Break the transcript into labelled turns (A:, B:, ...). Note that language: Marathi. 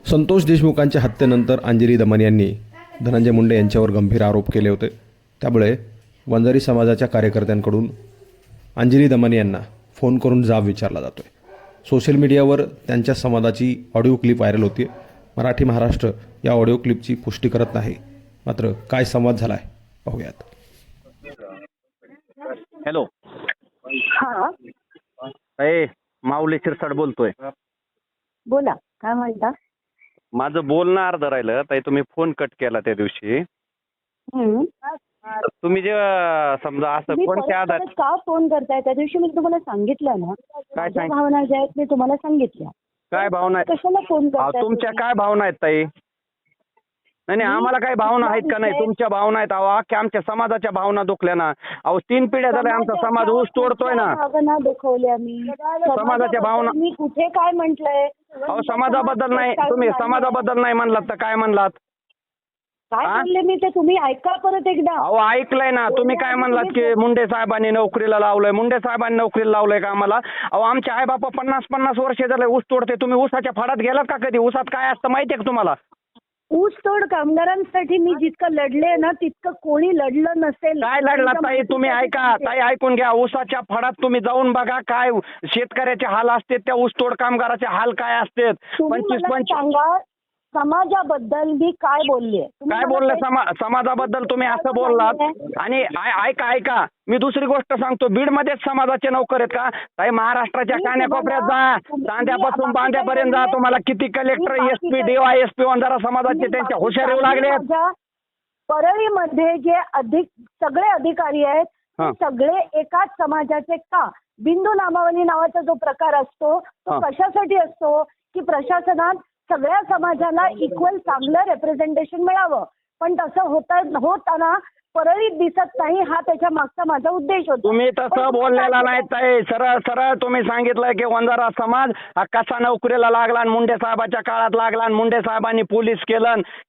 A: संतोष देशमुखांच्या हत्येनंतर अंजली दमन यांनी धनंजय मुंडे यांच्यावर गंभीर आरोप केले होते. त्यामुळे वंजारी समाजाच्या कार्यकर्त्यांकडून अंजली दमन यांना फोन करून जाब विचारला जातो आहे. सोशल मीडियावर त्यांच्या संवादाची ऑडिओ क्लिप व्हायरल होती. मराठी महाराष्ट्र या ऑडिओ क्लिपची पुष्टी करत नाही. मात्र काय संवाद झाला आहे पाहूयात.
B: हॅलो.
C: हा
B: माऊली शिरसाट बोलतोय.
C: बोला, काय म्हणता?
B: माझं बोलणं अर्ध राहिलं ताई. तुम्ही फोन कट केला त्या दिवशी.
C: हम्म.
B: तुम्ही जे समजा असं
C: तुम्ही
B: कोणत्या
C: परत
B: आधार
C: परत का फोन करताय? त्या दिवशी मी तुम्हाला सांगितलं ना, माझ्या
B: सांग-
C: भावना ज्या आहेत मी तुम्हाला सांगितल्या.
B: काय भावना आहेत?
C: कशाला फोन
B: अहो,
C: करताय
B: तुमच्या
C: तुम्ही?
B: काय भावना आहेत ताई? नाही नाही, आम्हाला काय भावना आहेत का नाही? तुमच्या भावना आहेत. अहो, अख्ख्या आमच्या समाजाच्या भावना दुखल्या ना. अहो, 3 पिढ्या झाल्या आमचा समाज ऊस तोडतोय ना.
C: भावना दुखवल्या मी.
B: समाजाच्या भावना-
C: मी कुठे काय म्हटलंय?
B: अहो, समाजाबद्दल नाही. तुम्ही समाजाबद्दल नाही म्हणलात तर काय म्हणलात?
C: काय
B: हा?
C: म्हणले मी ते तुम्ही ऐका परत एकदा.
B: अहो, ऐकलंय ना. तुम्ही काय म्हणलात की मुंडे साहेबांनी नोकरीला लावलंय. मुंडे साहेबांनी नोकरीला लावलंय का आम्हाला? अहो, आमचे आई बापा 50-50 वर्ष झाले ऊस तोडते. तुम्ही ऊसाच्या फडात गेलात का कधी? ऊसात काय असतं माहितीये का तुम्हाला?
C: ऊसतोड कामगारांसाठी मी जितकं लढले ना तितकं कोणी लढलं नसेल.
B: काय लढला ताई? तुम्ही ऐका ताई, ऐकून घ्या. ऊसाच्या फडात तुम्ही जाऊन बघा काय शेतकऱ्याचे हाल असते, त्या ऊसतोड कामगाराचे हाल काय असते.
C: तुम्ही
B: 25
C: मला सांगा समाजाबद्दल मी काय बोलले?
B: काय बोलले? समाजाबद्दल तुम्ही असं बोललात. आणि ऐका मी दुसरी गोष्ट सांगतो. बीडमध्येच समाजाचे नोकर आहेत का ताई? महाराष्ट्राच्या कान्याकोपऱ्यात जा, चांद्यापासून बांद्यापर्यंत जा. तुम्हाला किती कलेक्टर, एसपी, DYSP वंजारा समाजाचे त्यांच्या हुशार येऊ लागले.
C: परळीमध्ये जे सगळे अधिकारी आहेत
B: हा.
C: ते सगळे एकाच समाजाचे का? बिंदू नामावली नावाचा जो प्रकार असतो तो
B: हा.
C: कशासाठी असतो की प्रशासनात सगळ्या समाजाला इक्वल चांगलं रेप्रेझेंटेशन मिळावं. पण तसं होताना परळीत दिसत नाही. हा त्याच्या मागचा माझा उद्देश होता.
B: तुम्ही तसं बोललेला नाही ताई. सरळ सरळ तुम्ही सांगितलं की वंजारा समाज हा कसा नोकरीला लागला आणि मुंडे साहेबाच्या काळात लागला आणि मुंडे साहेबांनी पोलीस केलं.